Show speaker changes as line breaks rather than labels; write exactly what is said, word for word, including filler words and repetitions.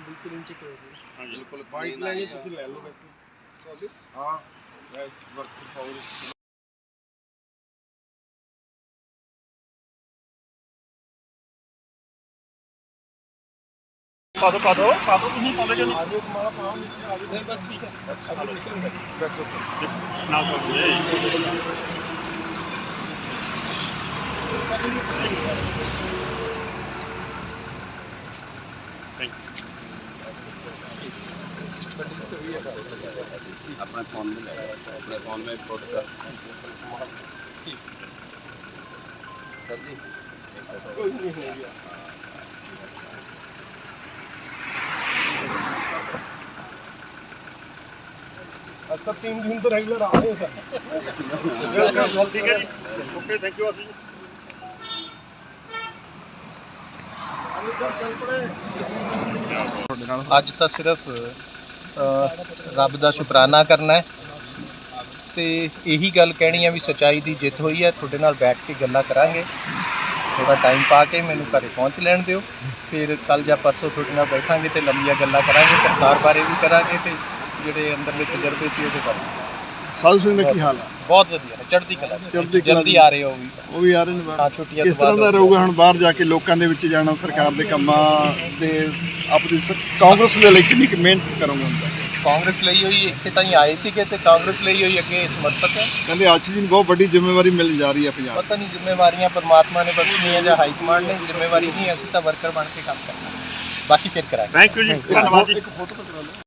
ਬਿਲਕੁਲ ਇੰਚ ਕਰੋ ਜੀ।
हाँ जी
ਬਿਲਕੁਲ
ਵਾਈਟ
clean
ਲੈਣੀ
ਆਏਗਾ।
ਤੁਸੀਂ ਲੈ ਲਓ ਵੈਸੇ ਤੁਹਾਡੀ ਹਾਂ ਮੈਂ ਵਰਕ ਪਾਉਰ
पा दो पा दो पा दो तुम पा दो
ਆਜੋ ਮਾਲਾ ਪਾਉਂ ਨੀਚੇ ਆਜੋ
ਨਹੀਂ ਬਸ ਠੀਕ ਹੈ।
ਆਜੋ ਨਿਕਲ ਬੈਠੋ ਸਰ
ना कर
अपने फोन में ले अपने फोन में फोटो सर सर जी एक फोटो
ਕੋਈ ਨਹੀਂ ਹੋ ਗਿਆ अब तक तीन दिन तो रेगुलर आ रहे हैं सर
ठीक है जी ओके थैंक यू आशी
चल पड़े
ਅੱਜ ਤਾਂ ਸਿਰਫ ਅ, ਰੱਬ ਦਾ ਸ਼ੁਕਰਾਨਾ ਕਰਨਾ ਹੈ ਤੇ ਇਹੀ ਗੱਲ ਕਹਿਣੀ ਹੈ ਵੀ ਸੱਚਾਈ ਦੀ ਜਿੱਤ ਹੋਈ ਹੈ। ਤੁਹਾਡੇ ਨਾਲ ਬੈਠ ਕੇ ਗੱਲਾਂ ਕਰਾਂਗੇ, ਥੋੜਾ ਟਾਈਮ ਪਾ ਕੇ ਮੈਨੂੰ ਘਰੇ ਪਹੁੰਚ ਲੈਣ ਦਿਓ, ਫਿਰ ਕੱਲ ਜਾਂ ਪਰਸੋਂ ਤੁਹਾਡੇ ਨਾਲ ਬੈਠਾਂਗੇ ਤੇ ਲੰਮੀਆਂ ਗੱਲਾਂ ਕਰਾਂਗੇ, ਸਰਕਾਰ ਬਾਰੇ ਵੀ ਕਰਾਂਗੇ ਤੇ ਜਿਹੜੇ ਅੰਦਰਲੇ ਤਜਰਬੇ ਸੀ ਉਹਦੇ ਬਾਰੇ।
ਸਾਧੂ ਸਿੰਘ ਦਾ ਕੀ ਹਾਲ ਹੈ
ਬਹੁਤ ਵਧੀਆ ਹੈ, ਚੜ੍ਹਦੀ ਕਲਾ ਚ।
ਚੜ੍ਹਦੀ ਕਲਾ
ਜਲਦੀ
ਚ।
ਆ ਰਹੇ ਹੋ ਵੀ
ਉਹ ਵੀ ਆ ਰਹੇ ਨੇ
ਹਾਂ,
ਬਾਹਰ
ਛੁੱਟੀਆਂ
ਕਿਸ
ਤੋਂ ਬਾਅਦ
ਤਰ੍ਹਾਂ ਦਾ ਰਹੂਗਾ ਹੁਣ ਬਾਹਰ ਜਾ ਕੇ ਲੋਕਾਂ ਦੇ ਵਿੱਚ ਜਾਣਾ ਸਰਕਾਰ ਦੇ ਕੰਮਾਂ ਦੇ ਆਪਣੀ ਸ- ਕਾਂਗਰਸ ਦੇ ਲਈ ਕਿੰਨੀ ਕੁ ਮਿਹਨਤ ਕਰੋਗੇ ਹੁਣ ਤੱਕ?
ਕਾਂਗਰਸ ਲਈ ਹੋਈ ਇੱਥੇ ਤਾਂ ਹੀ ਆਏ ਸੀਗੇ ਤੇ ਕਾਂਗਰਸ ਲਈ ਹੋਈ ਅੱਗੇ ਸਮਰਪਿਤ ਹੈ।
ਕਹਿੰਦੇ ਆਸ਼ੀ ਜੀ ਨੂੰ ਬਹੁਤ ਵੱਡੀ ਜ਼ਿੰਮੇਵਾਰੀ ਮਿਲ ਜਾ ਰਹੀ ਹੈ ਪੰਜਾਬ
ਪਤਾ ਨਹੀਂ ਜ਼ਿੰਮੇਵਾਰੀਆਂ ਪਰਮਾਤਮਾ ਨੇ ਬਖਸ਼ੀਆਂ ਜਾਂ ਹਾਈ ਕਮਾਂਡ ਨੇ, ਜ਼ਿੰਮੇਵਾਰੀ ਨਹੀਂ, ਅਸੀਂ ਤਾਂ ਵਰਕਰ ਬਣ ਕੇ ਕੰਮ ਕਰਨਾ, ਬਾਕੀ ਫਿਰ ਕਰਾਂਗੇ।
थैंक यू जी धन्यवाद जी